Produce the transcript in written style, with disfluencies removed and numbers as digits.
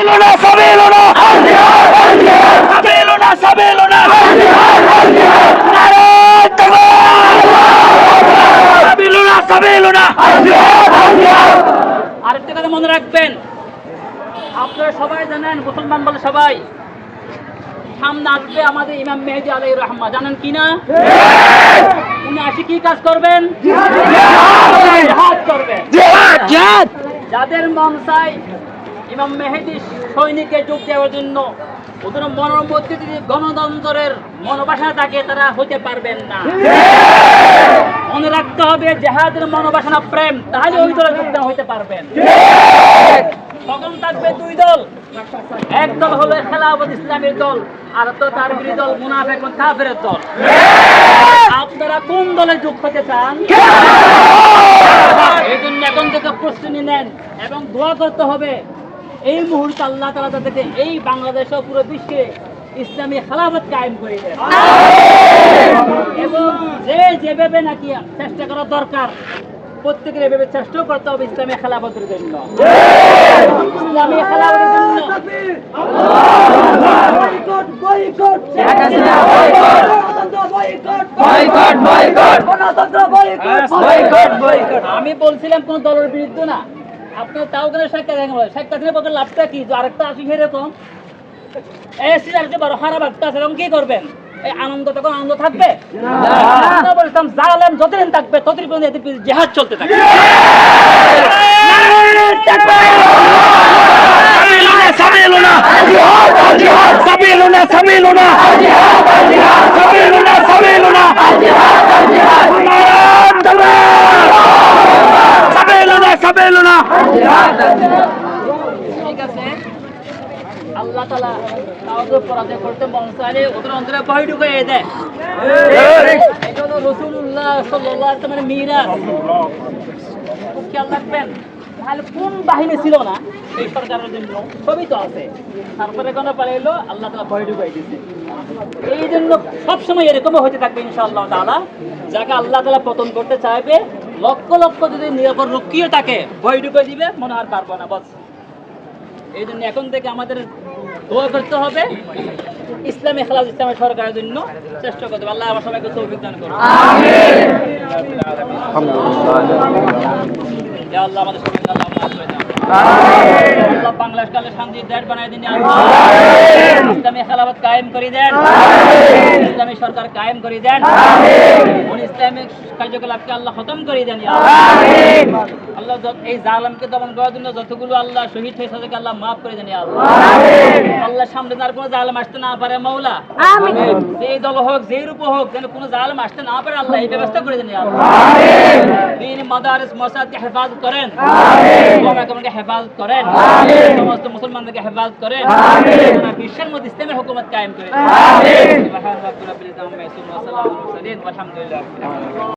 সাবিলুনা সাবিলুনা সাবিলুনা সাবিলুনা নারায়ে তাকবীর সাবিলুনা সাবিলুনা। আরেকটা কথা মনে রাখবেন, আপনারা সবাই জানেন, মুসলমান বলে সবাই, সামনে আসবে আমাদের ইমাম মেহেদী আলাইহির রহমত, জানেন কি না? উনি আসি কি কাজ করবেন? জিহাদ করবেন। জিহাদ যাদের মন চায় ইমাম মেহেদী সৈনিকে যোগ দেওয়ার জন্য, ওদের মনের মধ্যে যদি গণতন্ত্রের মনোবাসনা থাকে, তারা হতে পারবেন না। মনে রাখতে হবে জিহাদের মনোবাসনা প্রেম, তাহলে ওই দলে যোগদান হইতে পারবেন। তখন থাকবে দুই দল, এক দল হলো খেলাফত ইসলামের দল, আর তো তার বিরোধী দল মুনাফিক এবং কাফেরের দল। আপনারা কোন দলে যোগ হতে চান? এই জন্য এখন থেকে প্রস্তুতি নেন এবং দোয়া করতে হবে এই মুহূর্তে আল্লাহ তাআলা তাদেরকে এই বাংলাদেশ ও পুরো বিশ্বে ইসলামী খেলাফত কায়েম করে দেন। এবং যেভাবে নাকি চেষ্টা করা দরকার, প্রত্যেকের এভাবে চেষ্টাও করতে হবে ইসলামী খেলাফতের জন্য। ইসলামী খেলাফতের জন্য আমি বলছিলাম কোন দলের বিরুদ্ধে না, আপনার তাও কেন শেখ হাসিনার পক্ষে লাভটা কি? আরেকটা আসি সেরকম এরকম কি করবেন? এই আনন্দ, তখন আনন্দ থাকবে? বলতাম জালেম যতদিন থাকবে ততদিন পর্যন্ত জিহাদ চলতে থাকবে। সাবিলুনা সাবিলুনা সাবিলুনা সাবিলুনা সাবিলুনা সাবিলুনা সাবিলুনা। ঠিক আছে, আল্লাহ তাআলা কাউকে পরাজয় করতে মন চাইলে ওদের অন্তরে ভয় ঢুকিয়ে দেয়। এটা হলো রাসূলুল্লাহ সাল্লাল্লাহু আলাইহি ওয়াসাল্লামের মিরাজ। খুব খেয়াল রাখবেন, তাহলে কোন বাহিনী ছিল না এই সরকারের জন্য? সবই তো আছে, তারপরে কোনো পালাইলো, আল্লাহ তাআলা ভয় ঢুকিয়ে দিয়েছে। এই জন্য সবসময় এরকমও হতে থাকবে ইনশাআল্লাহ তাআলা। যাকে আল্লাহ তাআলা পতন করতে চাইবে, লক্ষ লক্ষ যদি নিরাপদ রক্ষীও তাকে ভয় ঢুকিয়ে দিবে, মনে আর পারবো না বস। এই জন্য এখন থেকে আমাদের দোয়া করতে হবে ইসলামী খেলাফত ইসলামের সরকারের জন্য চেষ্টা করতে হবে। আল্লাহ আমার সবাইকে তৌফিক দান করুন। ইয়া আল্লাহ আমাদের সবাইকে আল্লাহ মাফ করে দাও। আল্লাহ বাংলাদেশকে শান্তির দেশ বানায় দিন। ইসলামী খেলাফত কায়েম করে দেন, ইসলামী সরকার কায়েম করে দেন, ইসলামিক কার্যকলাপকে আল্লাহ খতম করে দেন। আল্লাহ এই জালেমকে দমন করার জন্য যতগুলো আল্লাহ শহীদ হয়েছে তাদেরকে আল্লাহ মাফ করে দেন। আল্লাহ সামনে আর কোনো জালেম আসতে না পারে মাওলা। যেই দল হোক, যেই রূপ হোক, যেন কোনো জালেম আসতে না পারে, আল্লাহ এই ব্যবস্থা করে দেন। দিন মাদারিস মসজিদকে হেফাজত করেন, ওলামাকে হেফাজত করেন, সমস্ত মুসলমানদেরকে হেফাজত করেন, বিশ্বের মধ্যে ইসলামের হুকুমত কায়েম করে দেন।